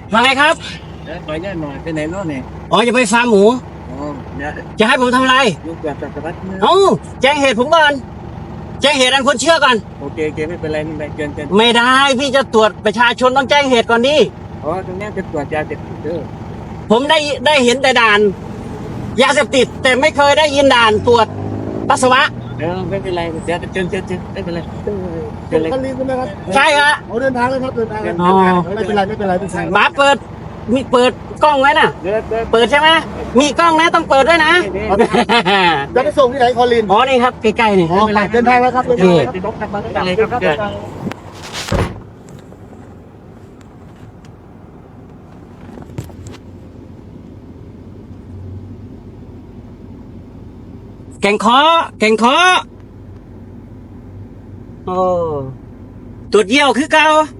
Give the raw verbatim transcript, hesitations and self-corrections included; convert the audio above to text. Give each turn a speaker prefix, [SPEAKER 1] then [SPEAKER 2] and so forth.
[SPEAKER 1] ว่าไงครับ
[SPEAKER 2] เดี๋ยวขออนุญาตหน่อยไปไหนโน่นเนี่ย
[SPEAKER 1] อ๋อจะไปฟาร์มหมู
[SPEAKER 2] อ๋อเดี๋ยว
[SPEAKER 1] จะให้ผมทำอะไร
[SPEAKER 2] ยุ่งกับจักรวรรดินะ
[SPEAKER 1] เอ้าแจ้งเหตุผมก่อนแจ้งเหตุอันควรเชื่อก่อน
[SPEAKER 2] โอเคโอเคไม่เป็นไรไม่เป็นไรเกินเกิน
[SPEAKER 1] ไม่ได้พี่จะตรวจประชาชนต้องแจ้งเหตุก่อนดิ
[SPEAKER 2] อ๋อตรงเนี้ยจะตรวจยาเสพติดเด้อ
[SPEAKER 1] ผมได้ได้เห็นแต่ด่านยาเสพติดแต่ไม่เคยได้ยินด่านตรวจปัสสาวะ
[SPEAKER 2] เออไม่เป็นไรเดี๋ยวเชิญเชิญเชิญไม่เป็นไรเชิญเลย
[SPEAKER 3] คันรีใช่ไหมครับ
[SPEAKER 1] ใช่ฮะ
[SPEAKER 3] เอาเดินทางเลยครับเดินทางเลย
[SPEAKER 1] อ๋อ
[SPEAKER 3] ไม่เป็นไรไม่เป็นไรไม่เป็นไร
[SPEAKER 1] หมาเปิดมีเปิดกล้องไว้น่ะ
[SPEAKER 2] เดินเดิน
[SPEAKER 1] เปิดใช่ไหมมีกล้องนะต้องเปิดด้วยนะ
[SPEAKER 3] จะไปส่งที่ไหนคอลิน
[SPEAKER 1] อ๋อนี่ครับใกล้ๆนี่
[SPEAKER 3] อ๋อเดินทางแล้วครับเดินทางแล้วครับ
[SPEAKER 2] ติดรถกลับมาอะไรครับเดิน
[SPEAKER 1] แก่งคอแก่งคอโอ้ตรวจเยี่ยวคือเก่า